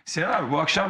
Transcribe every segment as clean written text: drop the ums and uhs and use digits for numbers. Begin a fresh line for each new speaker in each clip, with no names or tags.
Sinan abi bu akşam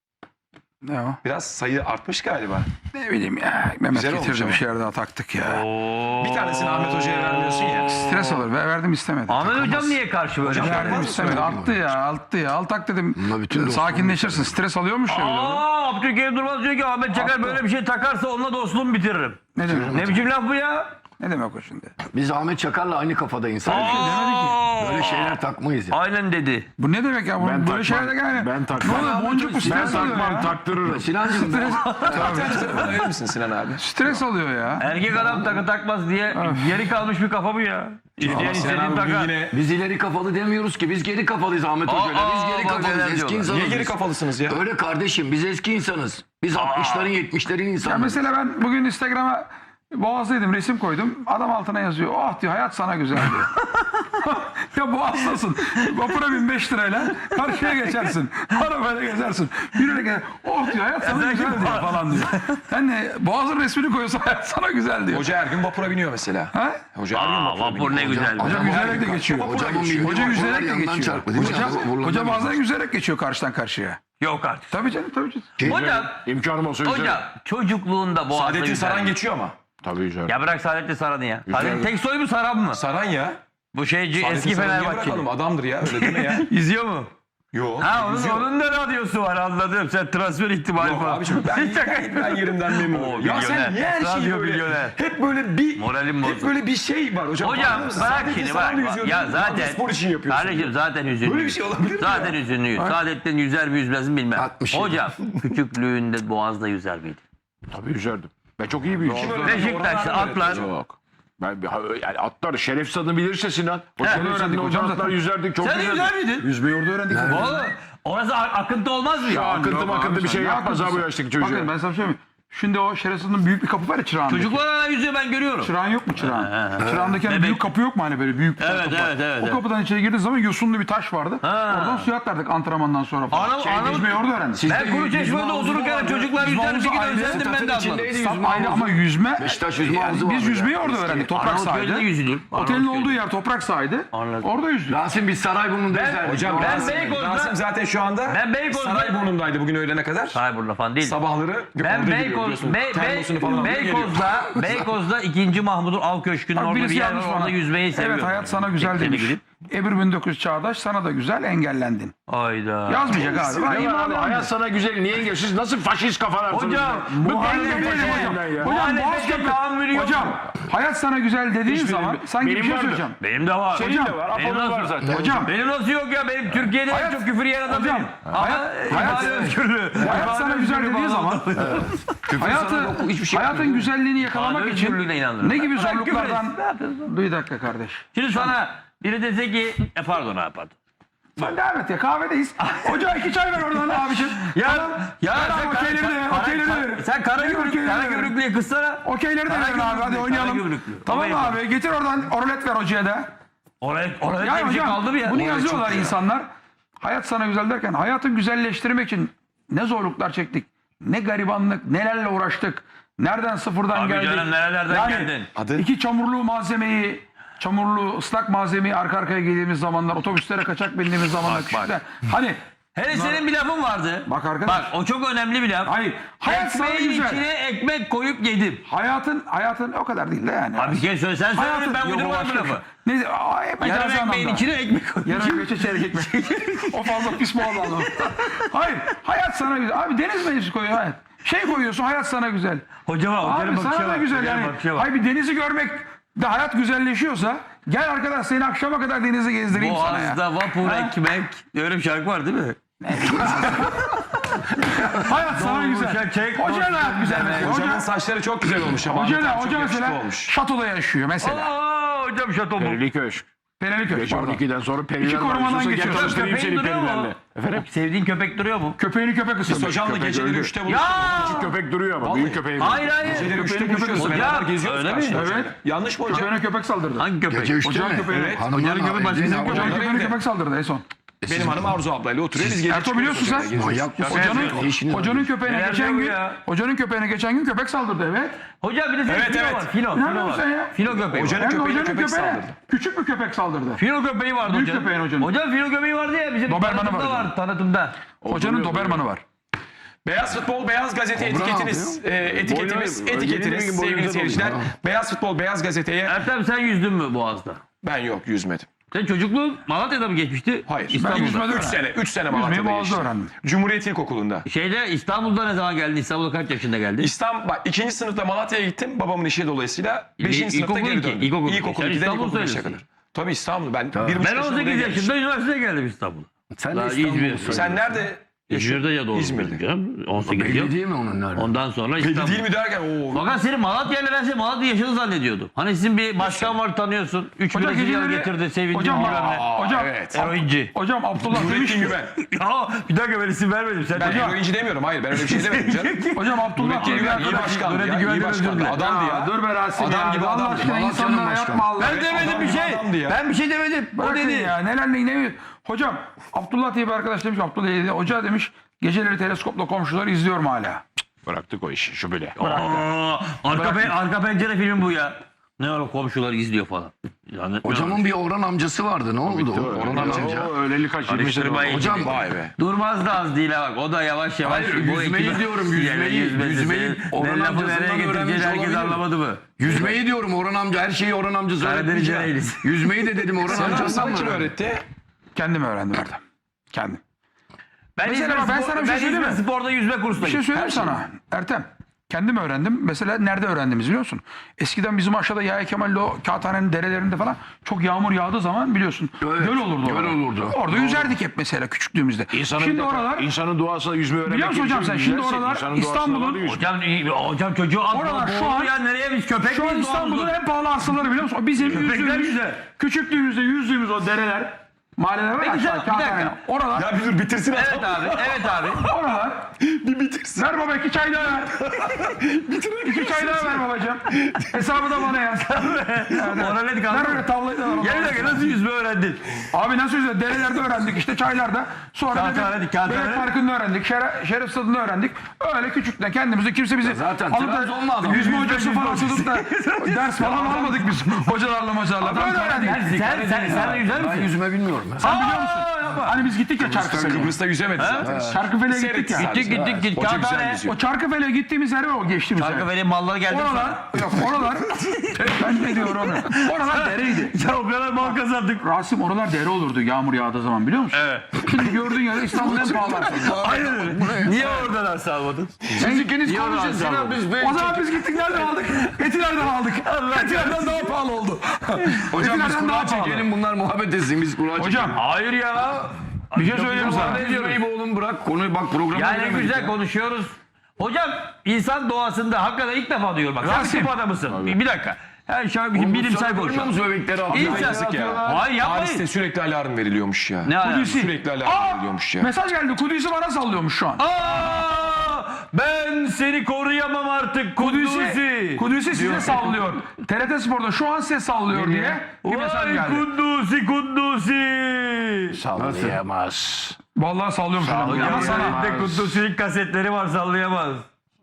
Ne o?
biraz sayı artmış galiba.
Ne bileyim ya. Mehmet
Güzel olmuş
getirdi
ama.
bir şeyler daha taktık ya.
Bir tanesini Ahmet Hoca'ya vermiyorsun ya.
Stres olur. Verdim istemedi.
Ahmet Hocam niye karşı böyle?
Hocam,
Verdim
Yapmaz
istemedi.
mısın?
Attı ya. Al tak dedim.
Bununla bütün
Sakinleşirsin. Stres alıyormuş ya. bir de o.
Abdülkerim Durmaz diyor ki Ahmet Çakar böyle bir şey takarsa onunla dostluğumu bitiririm.
Ne demek?
Ne biçim laf bu ya?
Ne demek o şimdi?
Biz Ahmet Çakar'la aynı kafada insanız. Böyle şeyler takmayız ya.
Aynen dedi.
Bu ne demek ya?
Ben
Böyle şeyler de yani.
Ben takmam.
Ne oluyor? Boncuk mu
Ben
stres alıyor
takmam,
ya?
taktırırım.
Sinancığım ben
Bana verir misin Sinan abi?
Stres alıyor ya.
Erkek adam takı takmaz diye geri kalmış bir kafa bu ya. İsteyen
Sinan
istediğini
abi bugün
takar.
yine...
biz ileri kafalı demiyoruz ki. Biz geri kafalıyız Ahmet Hoca'yla. Biz geri
bak neler
kafalıyız. Eski
diyorlar.
insanız.
Niye geri
biz.
kafalısınız ya?
Öyle kardeşim. Biz eski insanız. Biz 60'ların 70'lerin
Ya
insanlarız.
mesela ben bugün Instagram'a Boğaz'daydım, resim koydum. Adam altına yazıyor. Oh diyor, hayat sana güzel diyor. Ya Boğaz'dasın. Vapura bin 5 lirayla karşıya geçersin. Arabayla gezersin. Yürüyerek gezer. Oh diyor, hayat sana güzel diyor falan diyor. Yani Boğaz'ın resmini koyuyorsa hayat sana güzel diyor.
Hoca her gün vapura biniyor mesela.
Ha?
Hoca her gün vapura biniyor.
Vapur ne güzel.
Hoca yüzerek de geçiyor.
Hocamın bildiği
Hoca
vapurlar
yüzerek de
yandan
geçiyor.
çarptı, değil mi?
Hoca bazen yüzerek geçiyor karşıdan karşıya.
Yok artık.
Tabii canım, tabii canım.
Hocam,
İmkanım olsa yüzerim.
hocam çocukluğunda Boğaz'da
Saadettin
yüzer.
Saran geçiyor ama.
Tabii yüzerim.
Ya bırak Saadettin Saran'ı ya. Saadettin tek soy mu Saran mı?
Saran ya.
Bu şeyci
Saadettin
eski
Saran'ı niye
Fenerbahçeli.
bırakalım? Adamdır ya öyle deme ya.
İzliyor mu?
Yok.
Ha
yüzüyor.
onun da radyosu var anladım. Sen transfer ihtimali
Yok
falan.
abiciğim ben yerimden memnunum. Ya sen
milyoner.
niye her şeyi
Radyo
böyle
milyoner.
hep böyle bir
Moralim
hep
bozuldu.
böyle bir şey var hocam.
Hocam
Farkında mısın?
bırak
Saadettin
şimdi
Saran
bak.
yüzüyor,
Ya
radyo
zaten.
spor için yapıyorsun.
Kardeşim zaten hüzünlüyüz.
Böyle bir şey olabilir mi
Zaten
ya?
hüzünlüyüz. Saadettin yüzer mi yüzmez mi bilmem.
60 yıl.
Hocam küçüklüğünde Boğaz'da yüzer miydi?
Tabii yüzerdim. Ben çok iyi bir yüzücüyüm.
Beşiktaş'ta atlar.
Yok. Yani atlar şerefsiz adını bilirse Sinan. O şerefsiz
öğrendik
adını
hocam
atlar
zaten.
yüzerdik. Çok
Sen de
yüzerdik.
yüzer miydin?
Yüzmeyi orada öğrendik.
Vallahi orası akıntı olmaz mı ya?
Akıntı bir şey yapmaz abi bu yaştaki çocuğa.
Bakın ben sana bir şey mi? Şimdi o şerefsizin büyük bir kapı var ya çırağındaki.
Çocuklar hala yüzüyor ben görüyorum.
Çırağın yok mu çırağın? Çırağındaki hani
Bebek.
büyük kapı yok mu hani böyle büyük bir tane
Evet,
kapı var.
evet, evet,
O
evet.
kapıdan içeri girdiğin zaman yosunlu bir taş vardı. Oradan suya atlardık antrenmandan sonra falan. Yüzmeyi orada öğrendik.
Ben kuru çeşmede otururken çocuklar yüzer bir şekilde özendim ben de anladım.
Tam ayrı ama yüzme,
Beşiktaş yüzme havuzu
biz
vardı
yüzmeyi
ya.
orada öğrendik. Toprak
Arnavutköy'de
sahaydı.
yüzülür.
Otelin olduğu yer toprak sahaydı.
Anladım.
Orada yüzdük.
Rasim biz Sarayburnu'nda yüzerdik.
Hocam
Ben
Rasim,
Beykoz'da-
Rasim zaten şu anda
Ben Beykoz'da-
Sarayburnu'ndaydı bugün öğlene kadar.
Sayburnu'da falan değil.
Sabahları
Ben
orada giriyor biliyorsun. Termosunu falan alıyor, geliyor.
Beykoz'da 2. Mahmud'un av köşkünün
Bak
orada bir
birisi
yer var
yazmış
orada
bana.
yüzmeyi seviyorum.
Evet hayat sana güzel
Tekneye
demiş.
gidip.
Ebru 1900 Çağdaş sana da güzel engellendin.
Hayda.
Yazmayacak abi. Ben
Ne var abi?
imanlı
Hayat sana güzel. Niye engel? Siz nasıl faşist kafalarsınız?
Hocam
Bu
Engel değilim hocam. Hocam
Muhalefete tahammülü yok.
Hocam hayat sana güzel dediğin zaman sanki bir
benim
şey
vardı.
söyleyeceğim.
Benim de var.
Hocam,
de var.
benim
Apo'nun var
nasıl-
zaten.
Hocam
Benim nasıl yok ya? Benim Türkiye'de en
Hayat-
çok küfür yiyen adam
Hocam,
benim. Ama
hayat-
ifade özgürlüğü.
hayat
İfade
sana güzel
özgürlüğü
dediği
falan.
zaman hayatın güzelliğini yakalamak
İfade
için
özgürlüğüne inanırım.
ne gibi
Bırak küfür
zorluklardan...
etsin.
Bir dakika kardeş.
Şimdi sana biri dese ki pardon abi pardon.
Sen devam et ya kahvedeyiz. Hoca 2 çay ver oradan abiciğim.
Ya
Ver abi, okeyleri de ver, okeyleri de ver.
sen kara
Okeyleri de ver.
gümrüklüye kızsana.
Okeyleri de verin abi hadi
Kara
oynayalım.
gümrüklü.
Tamam
Tamam
abi getir oradan orulet ver hocaya da.
Oraya
Yani
bir şey
hocam
kaldı mı ya?
bunu yazıyorlar insanlar. Hayat sana güzel derken hayatı güzelleştirmek için ne zorluklar çektik. Ne garibanlık, nelerle uğraştık. Nereden sıfırdan
Abi
geldik.
canım, nerelerden geldin?
Adı?
2 çamurlu malzemeyi, çamurlu ıslak malzemeyi arka arkaya giydiğimiz zamanlar, otobüslere kaçak bindiğimiz zamanlar.
Bak.
küçükler. Hani
Hele senin bir lafın vardı.
Bak arkadaş.
Bak o çok önemli bir laf.
Hayır. Hayat sana
Ekmeğin
güzel.
içine ekmek koyup yedim.
Hayatın o kadar değil de yani.
Abi bir kez söyle sen söyle ben uydurmadım bu lafı.
Ne? Ay,
Yarım
mecazi
ekmeğin
anlamda.
içine ekmek koyup.
Yarım ekmek çeyrek ekmek. O fazla pis mi oldu? Hayır. Hayat sana güzel. Abi deniz meclisi koyuyor hayat. Şey koyuyorsun hayat sana güzel.
Hocama
Abi sana da güzel yani. Hayır bir denizi görmek de hayat güzelleşiyorsa gel arkadaş seni akşama kadar denize gezdireyim sana ya.
Boğaz'da vapur ekmek. Öyle bir şarkı var değil mi?
Hayat sana güzel.
çek,
Hoca da hayat güzel mesela.
Hocamın
Hoca,
saçları çok güzel olmuş ama.
hoca,
Çok
hoca
yakışıklı
mesela
olmuş.
şatoda yaşıyor mesela.
Aa hocam şato bu.
Perili Köşk.
Pereliköy
Gece
pardon.
12'den sonra periler
İki korumadan
var. Gel
geçiyor.
tanıştırayım
Köpeğin
seni
duruyor mu?
perilerle. Efendim?
Sevdiğin köpek duruyor mu?
Köpeğini köpek
Biz
ısırmış.
hocamla
Köpek
geceleri
öldü.
3'te
Ya!
buluştuk.
Köpek duruyor ama büyük köpeği var.
Hayır hayır.
Geceleri 3'te
köpeğini
buluşuyoruz.
köpek
Beraber
ısırıyor.
geziyoruz
Öyle mi?
karşıda.
Evet.
Yanlış mı hocam?
Köpeğine köpek saldırdı.
Hangi köpek?
Gece 3'te
Ocağın
mi?
köpeği.
Evet.
Hanımların
Ocağın köpeği başkasının
evliliğine-
köpeği.
Köpeğine köpek saldırdı en son.
Benim hanım Arzu ablayla oturuyor. Biz gece
Ertuğ biliyorsun sen.
Manyak mısın? Ne işiniz var?
Hocanın köpeğine geçen gün köpek saldırdı, evet.
Hocam bir de
Evet,
filo
evet.
var. Filo
İnanmıyor
var.
musun ya?
Filo köpeği var.
Hocanın
Hem de
köpeğine
hocanın
köpek
köpeğine
saldırdı.
küçük bir köpek saldırdı.
Filo köpeği vardı
Büyük
hocam.
köpeğin hocanın.
Hocam filo köpeği vardı ya bizim
Doberman'ı
tanıtımda
var
var tanıtımda.
Hocanın Doberman'ı var.
Beyaz Futbol, Beyaz Gazete
Kobra
etiketiniz, etiketimiz,
Boynu-
etiketiniz
boynu-
sevgili
boynu-
seyirciler.
boynu-
Beyaz Futbol, Beyaz Gazete'ye
Ertem sen yüzdün mü Boğaz'da?
ben yok yüzmedim.
Sen çocukluğun Malatya'da mı geçmişti?
Hayır.
İstanbul'da.
yüzmedim.
3 sene
Yüzmeyi
Malatya'da
Boğaz'da
geçtim.
öğrendim.
Cumhuriyet İlkokulu'nda.
İstanbul'da ne zaman geldin? İstanbul'da kaç yaşında geldin?
İstanbul, bak 2. sınıfta Malatya'ya gittim babamın işi dolayısıyla. 5. sınıfta
İlkokul
geri
iki,
döndüm.
ilkokul iki.
İlkokul
Sen
2'den
İstanbul
ilkokul 5'e
söylüyorsun.
kadar. Tabii İstanbul. Ben 1,5
Ben
yaşında
18
buraya
yaşında
gelmiştim.
üniversiteye geldim İstanbul'a.
Sen
Daha
de İstanbul'da.
İzmir.
Sen nerede
İzmir'de ya doğru.
İzmir'de.
18
Belli
yıl.
değil mi onun nerede?
Ondan sonra
Belli
İstanbul.
değil mi derken ooo.
Fakat senin Malatya'yla ben seni Malatya yaşını zannediyordum. Hani sizin bir başkan var tanıyorsun. 3
Hocam
Brezilyalı
geceleri-
getirdi sevindim
Hocam,
bilmem ne.
hocam,
evet.
Eroinci.
hocam Abdullah demiş
Nurettin
ki,
Güven.
Ya bir dakika ben isim vermedim. Sen
Ben
hocam.
eroinci demiyorum. Hayır ben öyle bir şey demedim canım.
hocam Abdullah
Nurettin
diye bir
Güven iyi
arkadaş.
başkandı
Nurettin
ya.
Güven'den
İyi başkandı.
özür dile.
Adamdı ya.
Dur be Rasim
Adam
ya.
gibi
Allah
adamdı.
aşkına
Malatya'nın
insanlara
başkanı.
yapma Allah.
Ben demedim
adam
bir
gibi
şey.
adamdı ya.
Ben bir şey demedim. O
Bırakın
dedi.
ya neler ne. Hocam Abdullah diye bir arkadaş demiş. Abdullah diye hoca demiş. Geceleri teleskopla komşuları izliyorum hala.
Bıraktık o işi şu bile.
Aa, arka pencere film bu ya. Ne öyle komşular izliyor falan. Yani,
Hocamın bir Orhan amcası vardı. Ne oldu? Orhan amca.
O öyleli kaç 20 sene oldu.
Karıştırmayın.
Hocam
Vay be.
Durmaz da az değil ha bak. O da yavaş yavaş.
Hayır,
bu
yüzmeyi
ekibe-
diyorum, yüzmeyi.
Yüzmesi.
Yüzmeyi Orhan
Ben lafı
amcasından
nereye getireceğini
öğrenmiş
herkes
olabilir.
anlamadı mı?
Yüzmeyi diyorum Orhan amca. Her şeyi Orhan amca
Karadeniz
öğretmeyecek.
Ereğli'si.
Yüzmeyi de dedim Orhan amcasından
Sana
mı
kim
öğrendi?
öğretti?
Kendim öğrendim Erdem. Kendim.
Ben
Mesela ben sana bir şey söyleyeyim mi?
Spor'da yüzme kursuna
Bir şey
gittim.
söyleyeyim sana Ertem. Kendim öğrendim. Mesela nerede öğrendiğimizi biliyor musun? Eskiden bizim aşağıda Yahya Kemal'le o Kağıthane'nin derelerinde falan çok yağmur yağdığı zaman biliyorsun.
Evet,
Göl olurdu.
göl
orada.
olurdu.
Orada yüzerdik hep mesela küçüklüğümüzde. Şimdi oralar
insanın doğasına yüzme öğrenmek
biliyor musun hocam sen? Şimdi
yüzersin.
oralar
İnsanın doğasına
İstanbul'un
bağlı yüzme.
Hocam çocuğu at.
Oralar şu
boğuldu
an-
ya nereye biz köpek
şu an
miyiz
İstanbul'un
doğamızda?
en pahalı arsaları biliyor musun? O bizim
Köpekler
yüzdüğümüz,
güzel.
küçüklüğümüzde yüzdüğümüz o dereler, mahalleler var
Peki
aşağı,
sen- bir dakika.
Kağıthane. Oralar,
Ya bir dur bitirsin adam.
Evet abi, evet abi.
oralar.
Bir bitirsin.
Ver baba 2 çay daha ver. 2 çay daha ver babacığım. Hesabı da bana yaz.
Ona ne
Ver
kaldı?
öyle tavlayı da bana.
Gel bir dakika nasıl yüzme öğrendin?
Abi nasıl yüzüyor? Derelerde öğrendik işte çaylarda. Sonra
Kağıthane,
da
Kağıthane.
Bebek Parkı'nda öğrendik. Şeref Stadı'nda öğrendik. Öyle küçükten kendimizi kimse bizi
zaten
alıp
Trabzonlu
da
adam.
yüzme hocası falan tutup da ders falan almadık biz. Hocalarla maçlarla. Böyle öğrendik.
Sen de yüzer
Ben
misin?
yüzme bilmiyorum. Ya.
Sen biliyor musun? Hani biz gittik ya Çarkıfele'ye.
Kıbrıs'ta yüzemedi zaten.
Çarkıfele'ye gittik
Seyretti
ya.
sadece.
Gittik.
Hoca güzel
Kağıthane.
yüzüyor.
O Çarkıfele'ye gittiğimiz yer var o geçtiğimiz yer.
Çarkıfele'nin malları geldi.
Oralar, yok oralar, ben ne diyorum onu? Oralar dereydi.
Ya o kadar mal kazandık.
Rasim oralar dere olurdu yağmur yağdığı zaman biliyor musun?
Evet.
Şimdi gördüğün yer İstanbul'un en pahalı arsaları.
Aynen öyle. Niye oradan arsa almadın?
Siz ikiniz
Niye
konuşun
oradan
Sinan
saldın?
biz
O zaman biz gittik nereden aldık? Etilerden aldık. Etilerden daha pahalı oldu.
Hocam biz
Etilerden daha
kura
pahalı.
çekelim bunlar muhabbet etsin biz kura çekelim.
Hocam
Hayır ya.
bir şey söyleyeyim sana.
Ne diyorum iyi oğlum bırak konuyu bak programa
Yani
giremedik
güzel
ya.
konuşuyoruz. Hocam insan doğasında hakikaten ilk defa diyorum bak. Sen
Rasim.
tıp adamısın. Bir dakika. Her şey
Oğlum, bu
bilimsel
sana
konuşalım.
görmüyor musun bebekleri atıyor?
İnsan.
ya.
Hayır yapmayın.
Paris'te sürekli alarm veriliyormuş ya.
Ne alakası?
Sürekli alarm veriliyormuş ya.
Mesaj geldi. Kudüs'ü bana sallıyormuş şu an.
Aa, ben seni koruyamam artık Kunduzi.
Kudüs'ü size sallıyor. TRT Spor'da şu an size sallıyor diye bir mesaj
Vay
geldi.
Kunduzi.
Sallayamaz.
Vallahi sallıyorum şu an. Ama sana.
Elinde Kunduzi'nin kasetleri var sallayamaz.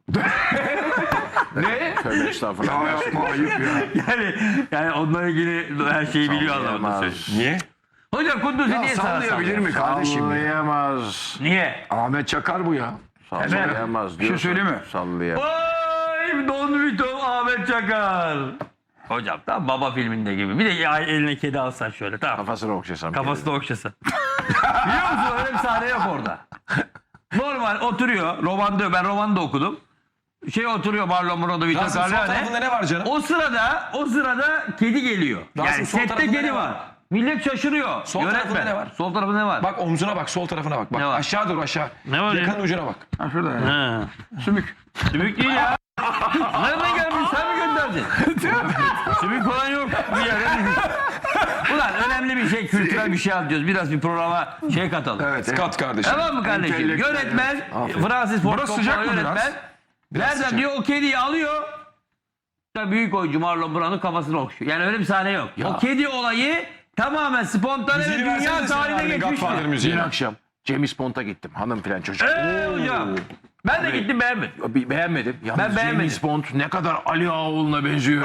Tövbe estağfurullah.
Yapma ayıp ya.
Yani onunla ilgili her şeyi biliyor anlamında söylüyorum.
Niye?
Hocam Kunduzi
Ya
niye sana
sallayabilir
sallıyor?
mi kardeşim?
Sallayamaz.
Niye?
Ahmet Çakar bu ya.
Sallayamaz.
Bir şey söyleyeyim mi?
Sallayamaz.
Vay Don Vito Ahmet Çakar. Hocam tam baba filminde gibi. Bir de ya eline kedi alsan şöyle tamam.
Kafasını okşasam.
Kafasını okşasa. Biliyor musun öyle bir sahne yok orada. Normal oturuyor. Ben romanda okudum. Oturuyor Marlon Brando, Vito
Rasim sol
Corleone.
tarafında ne var canım?
O sırada kedi geliyor.
Rasim,
Yani
sol
sette
tarafında
kedi
ne
var.
var?
Millet şaşırıyor.
Sol
Yönetmen.
tarafında ne var?
Sol tarafında ne var?
Bak omzuna bak, sol tarafına bak. Bak
Ne var?
aşağı dur aşağı.
Ne var ya?
Yakanın ucuna bak.
Ha şurada yani.
Ha.
Sümük.
Sümük değil ya. Nereden gelmiş? Sen mi gönderdin? Sümük falan yok. Bir yere. Ulan önemli bir şey, kültürel bir şey anlatıyoruz. Biraz bir programa katalım.
Evet.
Kat kardeşim.
Tamam mı kardeşim?
Entelektüel,
Yönetmen, Francis Ford
Burası
Coppola
sıcak mı
yönetmen. Nereden
sıcak.
diyor o kediyi alıyor. İşte büyük oyuncu Marlon Brando kafasını okşuyor. Yani öyle bir sahne yok. O kedi olayı tamamen spontane ve
Müziğini
dünya
versene Sinan
tarihine
abinin
geçmiştir.
Godfather
Dün
müziğini.
akşam James Bond'a gittim. Hanım filan çocuk.
Hocam. Ben de gittim beğenmedim.
Beğenmedim. Yalnız
Ben beğenmedim.
James Bond ne kadar Ali Ağaoğlu'na benziyor.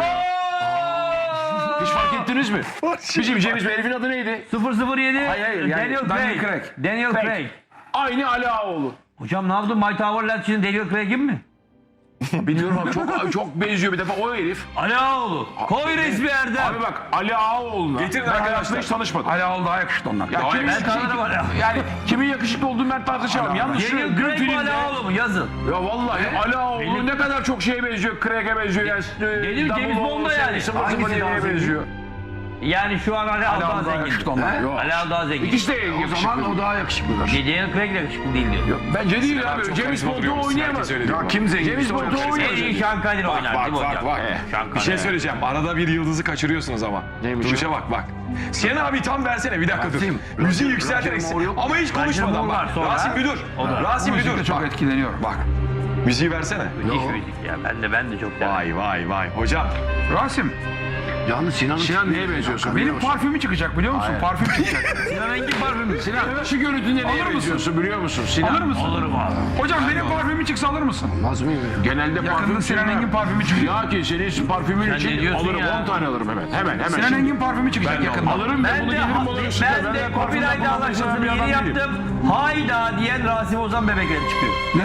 Hiç fark ettiniz mi? Bizim James herifin adı neydi?
007
hayır, yani
Daniel
Daniel
Craig.
Craig.
Daniel Craig.
Aynı Ali Ağaoğlu.
Hocam ne yaptın? My Tower Land için Daniel Craig'in mi?
Bilmiyorum abi çok benziyor bir defa o herif.
Ali Ağaoğlu. Koy resmi Erdem.
Abi bak Ali Ağaoğlu'na
Getirin
ben
arkadaşlar.
hayatımda hiç tanışmadım.
Ali Ağol daha yakışıklı ondan.
Ya kimin,
Ben tanırım Ali Ağaoğlu.
yani kimin yakışıklı olduğunu ben tartışamam. Yalnız şu
Daniel
dün
Craig mi Ali
filmde...
Ağaoğlu mu? Yazın.
Ya vallahi Ali Ağaoğlu ne kadar çok şeye benziyor. Craig'e benziyor. Yani,
James Bond'a yani.
007'ye benziyor.
Yani şu an Ali Ağaoğlu daha
Ali Ağol daha yakışıklı
zengin.
ondan.
Yok.
Ali Ağaoğlu daha zengin.
İkisi de
O
yakışıklı.
zaman o daha yakışıklıdır.
Daniel Craig de yakışıklı değil diyor.
Bence değil
Sinan
abi.
çok
James
karizma
Bond'u
duruyor.
oynayamaz.
Herkes öyle diyor.
Ya kim zengin?
James Bond'u
En
oynayamaz.
iyi Sean Connery oynar değil mi hocam? Sean
Bir
Connery.
şey söyleyeceğim. Arada bir yıldızı kaçırıyorsunuz ama.
Neymiş
Duruşa bak bak. Sinan abi tam versene bir dakika dur.
Rasim.
Müziği yükselterek.
Roger Moore yok.
Ama hiç konuşmadan
Moore var
bak.
sonra.
Rasim bir dur. Rasim bir
Müzikte
dur.
çok
Bak.
etkileniyorum.
Bak. Müziği versene.
Müthiş müzik ya. Ben de çok severim.
Vay vay vay. Hocam.
Rasim,
Yalnız Sinan
neye benziyorsun?
benim parfümü çıkacak biliyor musun? Parfüm çıkacak.
Sinan Engin parfümü.
Sinan şu görüntünde
Alır
neye
mısın?
benziyorsun biliyor musun? Sinan.
Alır mısın?
Olurum abi.
Hocam benim parfümü çıksa alır mısın?
olmaz mıyım ya?
Genelde
Yakında
parfüm
Sinan
sürmem.
Engin parfümü çıkıyor.
Ya ki senin parfümün
Sen ne
için
diyorsun
alırım
ya?
10 tane alırım hemen.
Sinan
Şimdi.
Engin parfümü çıkacak yakında.
Alırım ben
Ben
bunu
de,
gelirim bana üstüne.
ben de
parfüm
copyright
yapamam,
anlaşmasını
bir adam
yeni
değilim.
yaptım. Hayda diyen Rasim Ozan bebekleri çıkıyor.
Ne?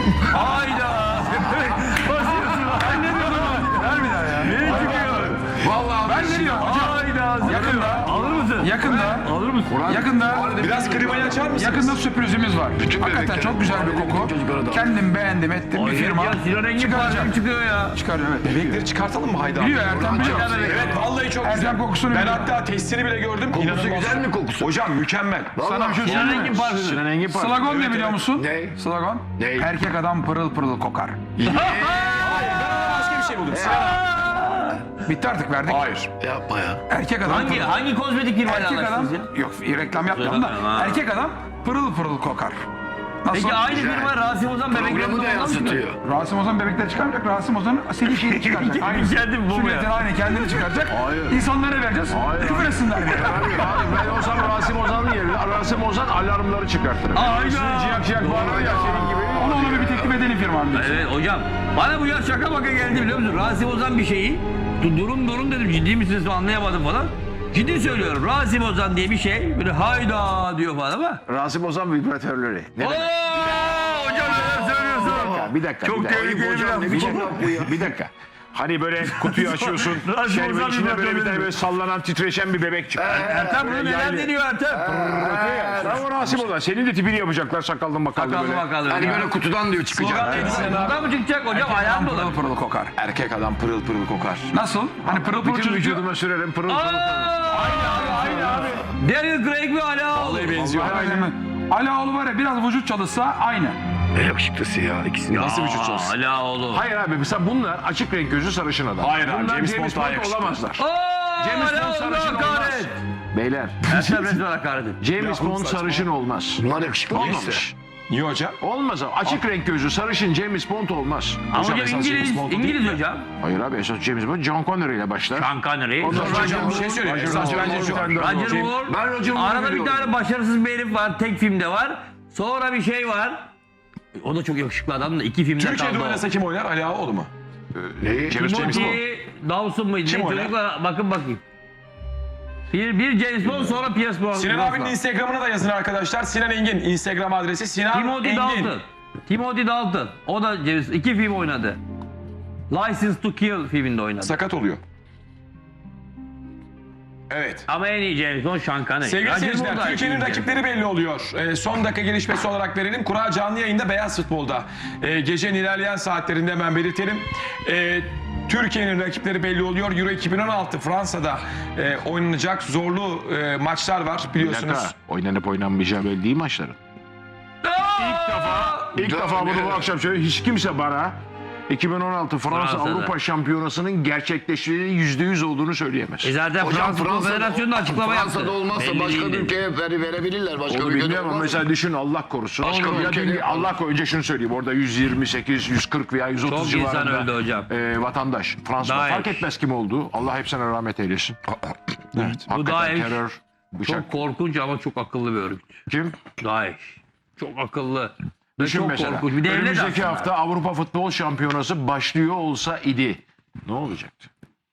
Hayda. Basıyorsun. Ay ne diyorsun?
Ver bir daha ya.
Ne çıkıyor?
Vallahi ben ne diyorum hocam?
Hayda.
Yakında.
Alır mısın?
Yakında.
Alır mısın?
Yakında.
Biraz klimayı açar mısınız?
Yakında sürprizimiz var. Hakikaten çok güzel bir koku. Kendim beğendim ettim bir firma.
Ya Sinan Engin
Çıkaracak.
parfüm çıkıyor ya.
Çıkarıyor evet.
Bebekleri çıkartalım mı Hayda?
Biliyor Ertem biliyor.
Evet vallahi çok
Ertem
güzel.
kokusunu
Ben
biliyor.
hatta testini bile gördüm.
Kokusu
İnanılmaz.
güzel mi kokusu?
Hocam mükemmel.
Sana bir şey
Sinan
söyleyeyim
Engin
mi?
parfümü.
Sinan Engin parfüm.
Slogan ne biliyor musun?
Ne?
Slogan?
Ne?
Erkek adam pırıl pırıl kokar.
Başka bir şey buldum. Sinan.
Bitti artık verdik.
Hayır.
Yapma ya.
Erkek adam
Hangi kozmetik firmayla
Erkek adam
anlaştınız ya?
yok reklam yapmıyorum da
Ha.
erkek adam pırıl pırıl kokar. Nasıl?
Peki aynı firma Rasim Ozan bebeklerini
Programı da yansıtıyor.
Rasim Ozan bebekler çıkarmayacak. Rasim Ozan senin şeyini çıkaracak. Aynı.
Kendi bu mu
Sünnetini
ya?
aynı kendini çıkaracak.
Hayır.
İnsanlara vereceğiz.
Hayır.
Küfür etsinler diye.
Ben olsam Rasim Ozan'ın yerine Rasim Ozan alarmları çıkartırım.
Aynen.
Ciyak ciyak bağırır ya senin gibi.
Ona bir teklif edelim firmam.
Evet hocam. Bana bu ya şaka baka geldi biliyor musun? Rasim Ozan bir şeyi. Durum dedim ciddi misiniz anlayamadım falan. Ciddi söylüyorum. Rasim Ozan diye bir şey. Böyle hayda diyor falan ama.
Rasim Ozan vibratörleri. Ne demek?
Hocam neler söylüyorsun?
Bir dakika.
Çok
bir dakika.
tehlikeli bir laf.
Ne biçim laf bu ya?
Bir dakika. Hani böyle kutuyu açıyorsun.
Rasim
şey böyle
Ozan
içinde böyle bir
vibratörleri.
tane böyle sallanan titreşen bir bebek çıkıyor.
Ertem bunu neler deniyor Ertem?
Sen o Rasim Ozan. Senin de tipini yapacaklar sakallı makallı
Bakalım
böyle.
bakalım.
Hani böyle kutudan diyor çıkacak.
Buradan mı çıkacak hocam? Ayağım dolar.
Pırıl pırıl kokar.
Erkek adam pırıl pırıl kokar.
Nasıl? Hani pırıl pırıl
Bütün
çocuk.
vücuduma sürerim pırıl pırıl.
Aynı abi. Daniel Craig ve Ali Ağaoğlu.
Vallahi benziyor.
Ali Ağaoğlu var ya biraz vücut çalışsa aynı.
Ne yakışıklısı ya ikisini.
Nasıl vücut çalışsın?
Ali Ağaoğlu.
Hayır abi mesela bunlar açık renk gözü sarışın adam.
Hayır abi,
Bunlar
James Bond daha yakışıklı.
olamazlar.
James
Bond sarışın olmaz. Beyler
Ertem resmen hakaret et.
James Bond sarışın olmaz.
Bunlar yakışıklı değil
Olmamış.
işte.
Niye hocam?
Olmaz abi. Açık renk gözü sarışın James Bond olmaz.
Ama
Hocam
hocam
esas James
İngiliz,
Bond değil
İngiliz
mi?
hocam.
Hayır abi esas James Bond John Connery ile başlar.
Sean Connery.
Ondan sonra
Hocam bir şey söyleyeyim. Esas bence şu.
Roger Moore.
Ben Roger Moore'u
Arada bir
biliyorum.
tane başarısız bir herif var. Tek filmde var. Sonra bir şey var. O da çok yakışıklı adam da. 2 filmde
Türkiye'de
kaldı o.
oynasa kim oynar? Ali Ağaoğlu mu?
Neyi?
James Bond.
Timothy Dawson mıydı?
Kim
Ne
oynar?
çocuklar bakın bakayım. Bir James Bond sonra Pierce Brosnan.
Sinan abinin Instagram'ına da yazın arkadaşlar. Sinan Engin Instagram adresi Sinan
Timothy
Engin.
Dalton. Timothy Dalton. O da James. 2 film oynadı. License to Kill filminde oynadı.
Sakat oluyor. Evet.
Ama en iyi James Bond Sean Connery.
Sevgili
Roger
seyirciler,
Moore da
Türkiye'nin
iyi James
rakipleri belli oluyor. Son dakika gelişmesi olarak verelim. Kura canlı yayında Beyaz Futbol'da. Gecenin ilerleyen saatlerinde hemen belirtelim. Türkiye'nin rakipleri belli oluyor. Euro 2016 Fransa'da oynanacak zorlu maçlar var
Bir
biliyorsunuz.
dakika. Oynanıp oynanmayacağı belli değil maçların. İlk defa bunu bu akşam söylüyorum. Hiç kimse bana 2016 Fransa
Fransa'da.
Avrupa Şampiyonası'nın gerçekleştiğinin %100 olduğunu söyleyemez.
Zaten
Hocam
Fransa Futbol Federasyonu da açıklama yaptı.
Fransa'da olmazsa
Belli
başka bir
değildi.
ülkeye verebilirler. Başka
Onu
bir ülkede
bilmiyorum ama
olmaz.
mesela düşün Allah korusun.
Başka bir
Ya
ülkede-
diyelim ki Allah önce şunu söyleyeyim. Orada 128, 140 veya 130
Çok
civarında
insan öldü hocam.
vatandaş. Fransa'da
Daesh.
fark etmez kim olduğu. Allah hepsine rahmet eylesin.
Evet.
Bu
Hakikaten
Daesh
terör, bıçak.
çok korkunç ama çok akıllı bir örgüt.
Kim?
Daesh. Çok akıllı. Ve
Düşün
çok
mesela.
korkunç. Bir devlet
Önümüzdeki
aslında.
hafta Avrupa Futbol Şampiyonası başlıyor olsa idi. Ne olacaktı?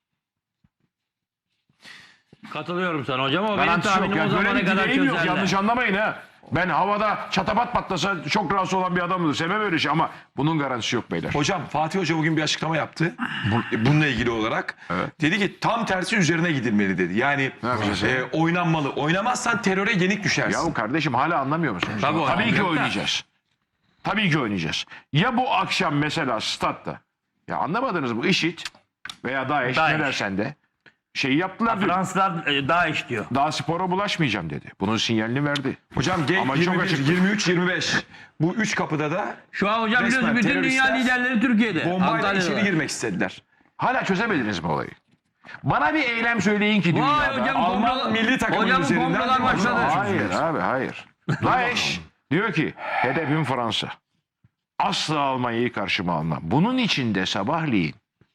Katılıyorum sana hocam ama benim
Garantisi yok.
tahminim o
Yani böyle
zamana
bir
kadar
dileğim yok.
çözerler.
Yanlış anlamayın ha. Ben havada çatapat patlasa çok rahatsız olan bir adamımdır. Sevmem öyle şey ama bunun garantisi yok beyler.
Hocam Fatih Hoca bugün bir açıklama yaptı. Bununla ilgili olarak.
Evet.
Dedi ki tam tersi üzerine gidilmeli dedi. Yani
yapacağız?
oynanmalı. Oynamazsan teröre yenik düşersin.
Yahu kardeşim hala anlamıyor musunuz?
Tabii
Tabii ki
anlıyorum da.
oynayacağız. Tabii ki oynayacağız. Ya bu akşam mesela statta ya anlamadınız mı? IŞİD veya DAEŞ ne
DAEŞ.
dersen de şeyi yaptılar diyor.
Fransızlar Daesh diyor.
Daha spora bulaşmayacağım dedi. Bunun sinyalini verdi.
Hocam Genk
Ama çok
21,
açık.
23, 25. Bu 3 kapıda da
Şu an hocam
Resmen
biliyorsun bütün dünya
teröristler
liderleri Türkiye'de.
bombayla
Antalya'da.
içeri girmek istediler.
Hala çözemediniz mi olayı? Bana bir eylem söyleyin ki
Vay
dünyada.
hocam
Alman
komplo-
milli takımının
hocam
üzerinden
komplolar
bir
başladı.
komplo-
Hayır abi hayır. DAEŞ diyor ki hedefim Fransa. Asla Almanya'yı karşıma almam. Bunun içinde sabahleyin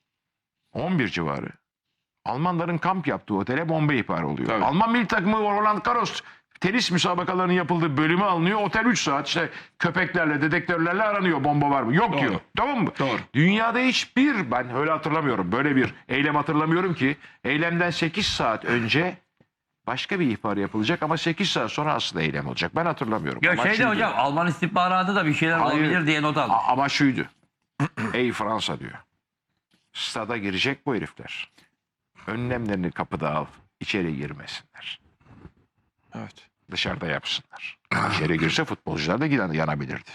11 civarı Almanların kamp yaptığı otele bomba ihbarı oluyor.
Tabii.
Alman milli takımı Roland Garros tenis müsabakalarının yapıldığı bölümü alınıyor. Otel 3 saat işte köpeklerle, dedektörlerle aranıyor bomba var mı? Yok
Doğru.
diyor. Tamam mı?
Doğru.
Dünyada hiçbir ben öyle hatırlamıyorum. Böyle bir eylem hatırlamıyorum ki eylemden 8 saat önce başka bir ihbar yapılacak ama 8 saat sonra aslında eylem olacak. Ben hatırlamıyorum.
Ya
Ama
şeyde
şuydu.
hocam Alman istihbaratı da bir şeyler
Hayır.
olabilir diye not aldım.
Ama şuydu. Ey Fransa diyor. Stada girecek bu herifler. Önlemlerini kapıda al. İçeri girmesinler.
Evet.
Dışarıda yapsınlar. İçeri girse futbolcular da yanabilirdi.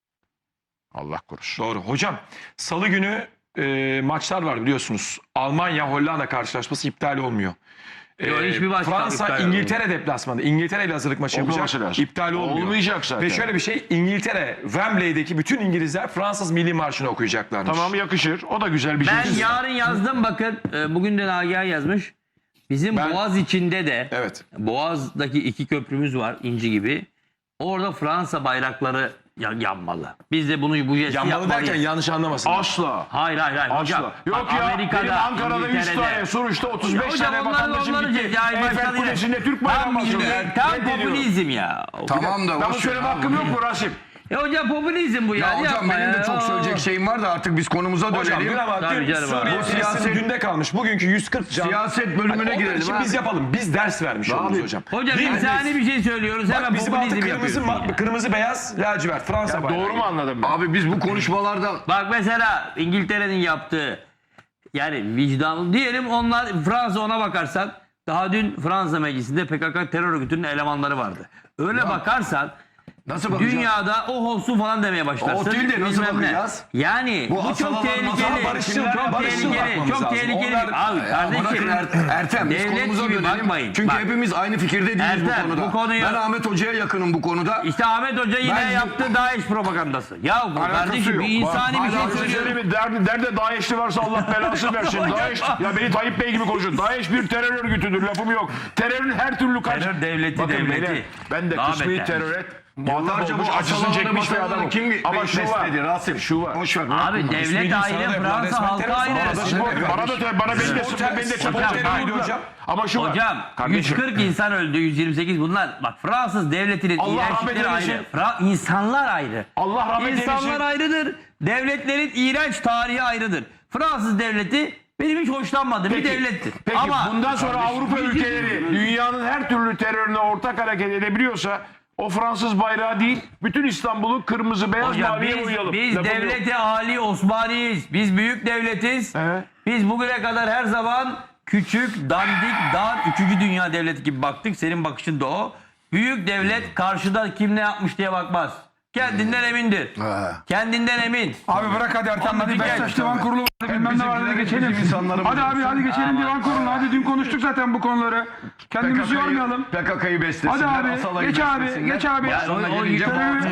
Allah korusun.
Doğru. Hocam salı günü maçlar var biliyorsunuz. Almanya-Hollanda karşılaşması iptal olmuyor.
Yok, hiçbir maç
Fransa
iptal
İngiltere deplasmanı. İngiltere ile hazırlık maçı yapacak.
Olmaması lazım.
İptal olmuyor.
Olmayacak zaten.
Ve şöyle bir şey İngiltere Wembley'deki bütün İngilizler Fransız milli marşını okuyacaklarmış.
Tamam yakışır. O da güzel bir şey.
Ben yarın yazdım bakın bugün de Nagihan yazmış. Bizim
Ben-
Boğaz içinde de
Evet.
Boğaz'daki 2 köprümüz var inci gibi. Orada Fransa bayrakları yanmalı. Biz de bu jesti
Yanmalı
yapmalıyız.
derken yanlış anlamasın.
Asla.
Hayır hocam.
Asla. Yok
Bak,
ya benim Ankara'da 100 tane, Suruç'ta 35
Hocam
tane
onlar
vatandaşım
onları
gitti.
ya,
Eyfel
başladı yine.
Kulesi'nde Türk bayrağı
Tam
basıyor.
milli, tam
Reddediyorum.
popülizm ya.
Tamam da
Ben bu
boş
söyleme
ver
hakkım
abi.
yok mu Rasim?
Hocam popülizm bu ya.
Ya hocam
yapma
benim de
ya.
çok söyleyecek şeyim var da artık biz konumuza
Hocam
dönelim.
dün ama
Tabii
dün
canım
Suriye
abi.
Filistin
Siyaset-
günde kalmış. Bugünkü 140 can.
Siyaset bölümüne
Hani onlar
girelim
için
abi.
biz yapalım. Biz ders vermiş oluruz
Abi,
hocam.
Hocam
Değil mi?
insani bir şey söylüyoruz. Hemen
Bak bizim altı
popülizm
kırmızı,
yapıyorsun ya.
kırmızı beyaz lacivert Fransa bayrağı.
Doğru mu anladım ben?
Abi biz bu konuşmalardan
Bak mesela İngiltere'nin yaptığı yani vicdanlı diyelim onlar Fransa ona bakarsan daha dün Fransa meclisinde PKK terör örgütünün elemanları vardı. Öyle bakarsan
nasıl bakacağız?
dünyada o olsun falan demeye başlarsın.
O değil de nasıl
Bilmem ne.
bakacağız?
Yani
Bu
bu çok
asalar
tehlikeli.
masal
barışçıl,
Çok
barışçıl
tehlikeli.
bakmamız
Çok
lazım.
tehlikeli.
Onlar-
Abi
Bırakın
kardeşim.
Ertem biz
devlet
konumuza
gibi
dönelim.
bakmayın.
Çünkü
Bak.
hepimiz aynı fikirde değiliz bu
Ertem,
konuda.
bu konuyu-
Ben Ahmet Hoca'ya yakınım bu konuda.
İşte Ahmet Hoca yine
Ben-
yaptı DAEŞ propagandası. Ya bu
Alakası
kardeşim
yok.
bir insani
Bak,
bir şey
hala
söylüyorum.
Söyleyeyim mi? Nerede DAEŞ'li varsa Allah belasını versin. DAEŞ, ya beni Tayyip Bey gibi konuşuyor. DAEŞ bir terör örgütüdür lafım yok. Terörün her türlü
Terör devleti,
Bakın
devleti.
beyler, ben de
Daha
kısmi
beter.
teröre
Yıllarca
muhatap olmuş
bu
acısını
asalarını
çekmiş bir
masalarını
adamım.
kim
Ama şu var.
besledi Rasim?
Şu var.
Boş ver.
Abi devlet
İsmail
ayrı,
Yusuf'a da yapılan
Fransa
resmen
halka
terör
ayrı.
saldırısı.
Bana da beni de
Hocam,
teröriydi hocam. Ama şu var.
Hocam
Kardeşim,
140 insan öldü, 128 bunlar. Bak Fransız devletinin
Allah rahmet
iğrençlikleri
eylesin.
ayrı. İnsanlar ayrı.
Allah rahmet
İnsanlar
eylesin.
ayrıdır. Devletlerin iğrenç tarihi ayrıdır. Fransız devleti benim hiç hoşlanmadığım bir devlettir.
Peki
Ama
bundan sonra Avrupa ülkeleri dünyanın her türlü terörüne ortak hareket edebiliyorsa o Fransız bayrağı değil bütün İstanbul'u kırmızı beyaz
hocam
maviye boyayalım.
biz
Lafım yok.
devleti Ali Osmaniyiz. Biz büyük devletiz.
Evet.
Biz bugüne kadar her zaman küçük, dandik, dar, 3. dünya devleti gibi baktık. Senin bakışın da o. Büyük devlet karşıda kim ne yapmış diye bakmaz. Kendinden emindir. Kendinden emin.
Abi bırak hadi Ertem hadi
Anladık
Beşiktaş
yani.
divan kurulu vardı bilmem ne vardı hadi geçelim. Hadi abi hadi geçelim divan kurulu. Hadi dün konuştuk zaten bu konuları. Kendimizi yormayalım.
PKK'yı beslesinler.
Hadi abi
Asalayı
geç abi
beslesinler.
geç abi.
O
gelince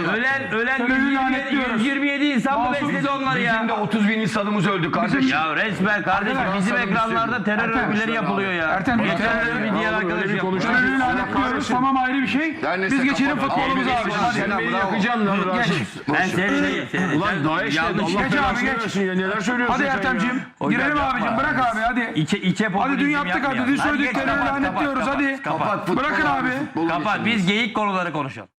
ölen
Terörü lanetliyoruz.
127 insan mı
Masum,
besledi onları
Bizim de
ya?
30 bin insanımız öldü kardeşim.
Ya resmen kardeşim
Arkadaşlar,
bizim
sana bir
ekranlarda
şey
terör
Ertem,
örgütleri yapılıyor ya.
Ertem,
Geçen
terör-
bir diğer arkadaş yapmış.
Terörü lanetliyoruz tamam ayrı bir şey.
Yani
Biz geçelim futbolumuza abi.
Hadi.
Sen beni yakacaksın lan.
Hadi geç.
Ben seni
Ulan Daesh ne?
yanlış.
Allah
Geç abi,
belasını
geç.
versin ya. Neler söylüyorsun
Hadi
sen ya?
Ertem'ciğim.
Hocam
Girelim
yapma.
abicim. Bırak abi hadi.
İçe
Hadi
popülizm
dün yaptık hadi.
yapmayalım.
Dün
Hadi geç,
söylediklerini
kapat,
lanetliyoruz
kapat,
hadi.
kapat.
Kapat futbolu
Bırakın abi.
futbolu
Kapat.
geçelim.
Biz geyik konuları konuşalım.